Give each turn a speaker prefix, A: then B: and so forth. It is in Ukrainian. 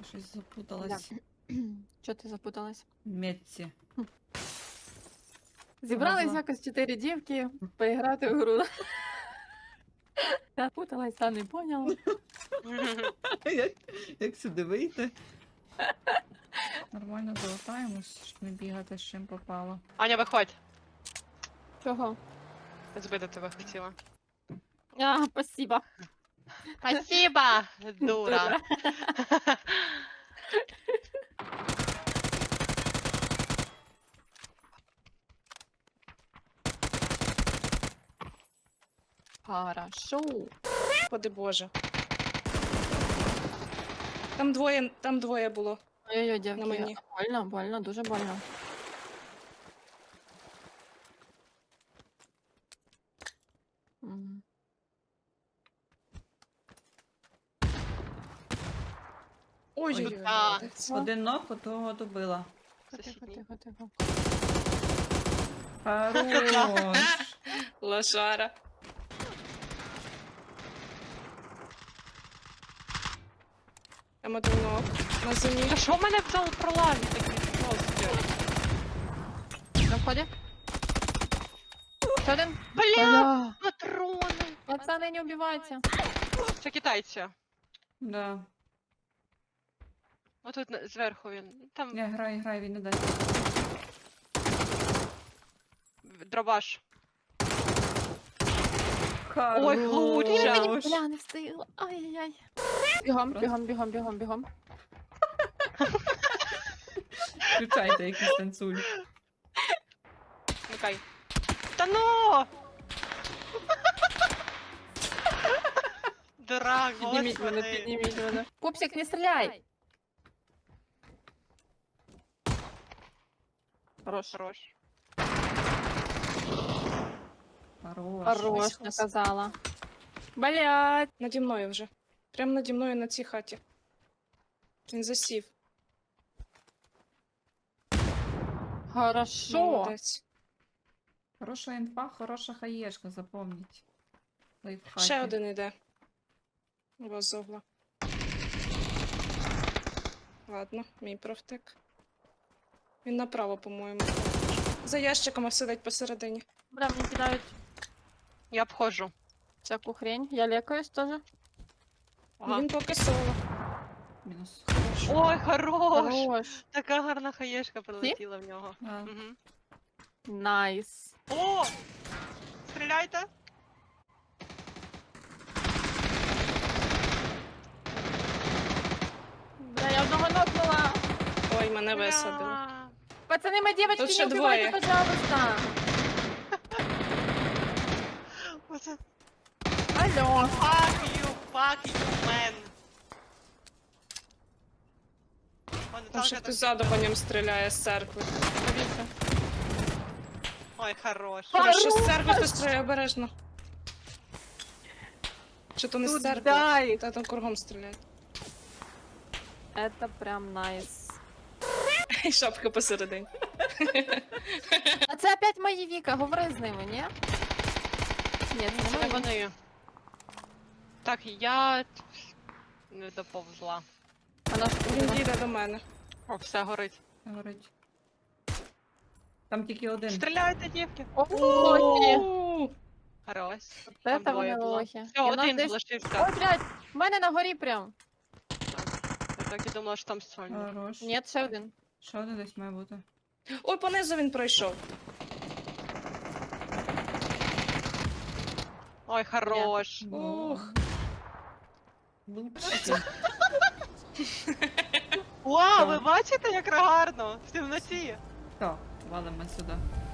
A: щось запуталась.
B: Чого ти запуталась?
A: В метці.
B: Зібрались
A: Ага.
B: якось 4 дівки поіграти в гру. Запуталась, та не поняла.
A: Як сюди вийти? Нормально залатаємось, щоб не бігати з чим попало.
C: Аня, виходь.
B: Чого?
C: Збити тебе хотіла.
B: А, спасибо.
C: Спасибо, дура.
B: Хорошо.
D: Господи Боже. Там двоє було.
B: Ой-ой-ой, дівки.
D: На мені.
B: Больно, больно, дуже больно. Мгм.
D: Ой-ой-ой.
C: А.
D: молодець.
A: Один ног, того добила.
B: Тихо,
C: Сусідній.
B: тихо, тихо.
A: Хорош.
D: Лошара. Там один ног на землі.
C: Та що в мене в зал проламі такі просто?
B: На вході? Ще один?
C: Бля, патрони.
B: Пацани, не убивайте.
C: Це китайці.
A: Да.
C: Отут зверху він. Там
A: Не, грай, він не дасть.
C: дробаш.
A: Хорош.
C: Ой, Глуча.
B: Бля, не встигла. Ай-яй-яй. Бігом,
A: Просто-
B: бігом, бігом, бігом, бігом.
A: Включайте якийсь танцуль.
C: Вмикай. Та ну! Дурак,
B: Підніміть мене,
C: господи.
B: підніміть мене. Пупсик, не стріляй! Хорош.
C: Хорош.
A: Хорош.
B: Хорош,
D: Ось, ось.
B: наказала. Блять.
D: Наді мною вже. Прямо наді мною на цій хаті. Він засів.
B: Хорошо.
D: Молодець.
A: Хороша інфа, хороша хаєшка, запомніть. Лайфхаки.
D: Ще один іде. У вас з угла. Ладно, мій провтик. Він направо, по-моєму. За ящиком сидить посередині.
B: Бля, мені кидають
C: Я обходжу.
B: всяку хрень. Я лекаюсь теж.
C: Ага.
D: Він поки соло.
A: Мінус.
C: Ой, хорош!
B: Хорош.
C: Така гарна хаєшка прилетіла в нього.
A: А,
C: Угу.
B: Найс.
C: О! Стріляйте!
B: Бля, я одного нокнула.
D: Ой, мене висадили.
C: Бля.
B: Пацани, ми девочки,
D: Тут ще
B: не убивайте,
D: двоє.
B: пожалуйста.
C: Оце
B: Алло.
C: fuck you, man. О,
D: Там ще
C: Наталка
D: хтось
C: так-
D: ззаду по ньому стріляє з церкви.
B: Дивіться.
C: Ой, хорош.
D: Хорошо, з церкви хтось стріляє обережно. Чи то не з церкви?
B: Дай.
D: Та там кругом стріляють.
B: Это прям найс.
D: І шапка посередині.
B: А це опять мої Віка, говори з ними, ні? Ні, це
C: Це
B: не мої.
C: вони. Так, я не доповзла.
B: Вона ж
D: Він їде до мене.
C: О, все горить.
A: горить. Там тільки один.
C: Стріляйте, дівки.
B: О, лохи.
D: У,
C: Хорош.
B: Це
C: Там
B: та
C: двоє
B: вони
C: було.
B: лохи.
C: Все,
B: І в нас
C: один
B: десь-
C: залишився.
B: Ой, блядь, в мене на горі прям.
C: Я так і думала, що там сольник.
A: Хорош.
B: Ні, ще один.
A: Ще один десь має бути.
D: Ой, понизу він пройшов.
C: Ой, хорош.
D: Ух.
A: Лучше.
C: Вау, ви бачите, як гарно? В темноті.
A: Так, валимо сюди.